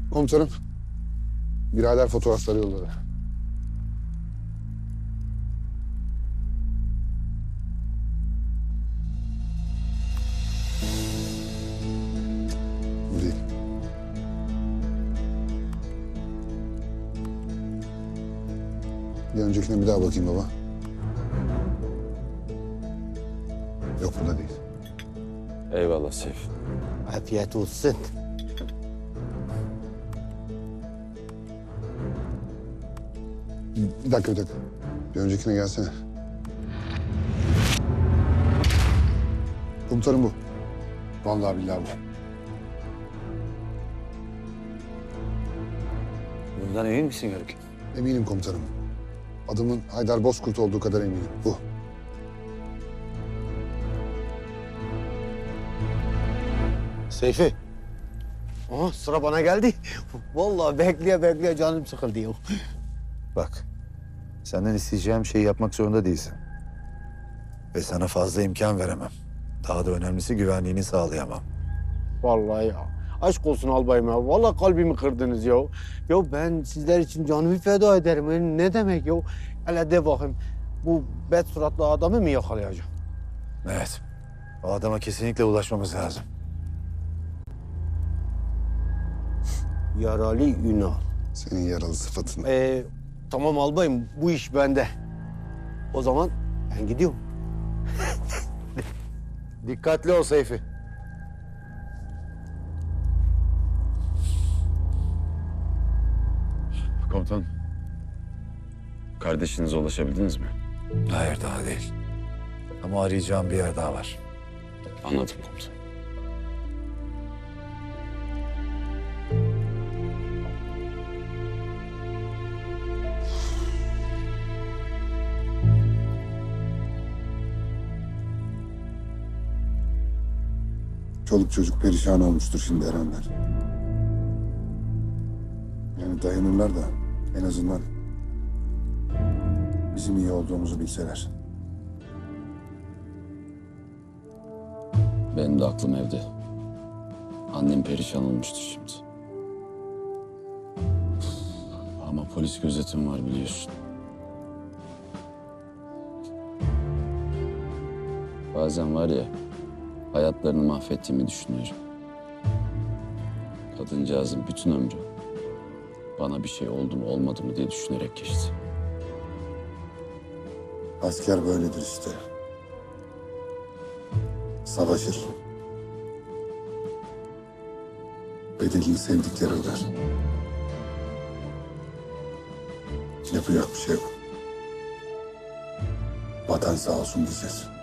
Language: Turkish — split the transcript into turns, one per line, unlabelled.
Komutanım, birader fotoğrafları yolladı. Bu değil. Bir öncekine bir daha bakayım baba. Yok, bu da değil.
Eyvallah Seyfi.
Afiyet olsun.
Bir dakika, bir dakika. Bir öncekine gelsene. Komutanım bu. Vallahi billahi bu.
Bundan emin misin Yörük?
Eminim komutanım. Adımın Haydar Bozkurt olduğu kadar eminim. Bu.
Seyfi. Aha, sıra bana geldi. Vallahi bekleye canım sıkıldı ya.
Bak, senden isteyeceğim şeyi yapmak zorunda değilsin. Ve sana fazla imkan veremem. Daha da önemlisi güvenliğini sağlayamam.
Vallahi ya. Aşk olsun albayım ya. Vallahi kalbimi kırdınız ya. Ya ben sizler için canımı feda ederim. Ne demek ya? Hele de bakayım. Bu bet suratlı adamı mı yakalayacağım?
Evet, o adama kesinlikle ulaşmamız lazım.
Yaralı Ünal.
Senin yaralı sıfatın.
Tamam albayım. Bu iş bende. O zaman ben gidiyorum.
Dikkatli ol Seyfi.
Komutanım. Kardeşinize ulaşabildiniz mi?
Hayır, daha değil. Ama arayacağım bir yer daha var.
Anladım komutanım.
Çoluk çocuk perişan olmuştur şimdi Erenler. Yani dayanırlar da en azından bizim iyi olduğumuzu bilseler.
Benim de aklım evde. Annem perişan olmuştur şimdi. Ama polis gözetim var biliyorsun. Bazen var ya, hayatlarını mahvettiğimi düşünüyorum. Kadıncağızın bütün ömrü bana bir şey oldu mu olmadı mı diye düşünerek geçti.
Asker böyledir işte. Savaşır. Bedelini sevdikleri öder. Yapacak bir şey yok. Vatan sağ olsun diyeceğiz.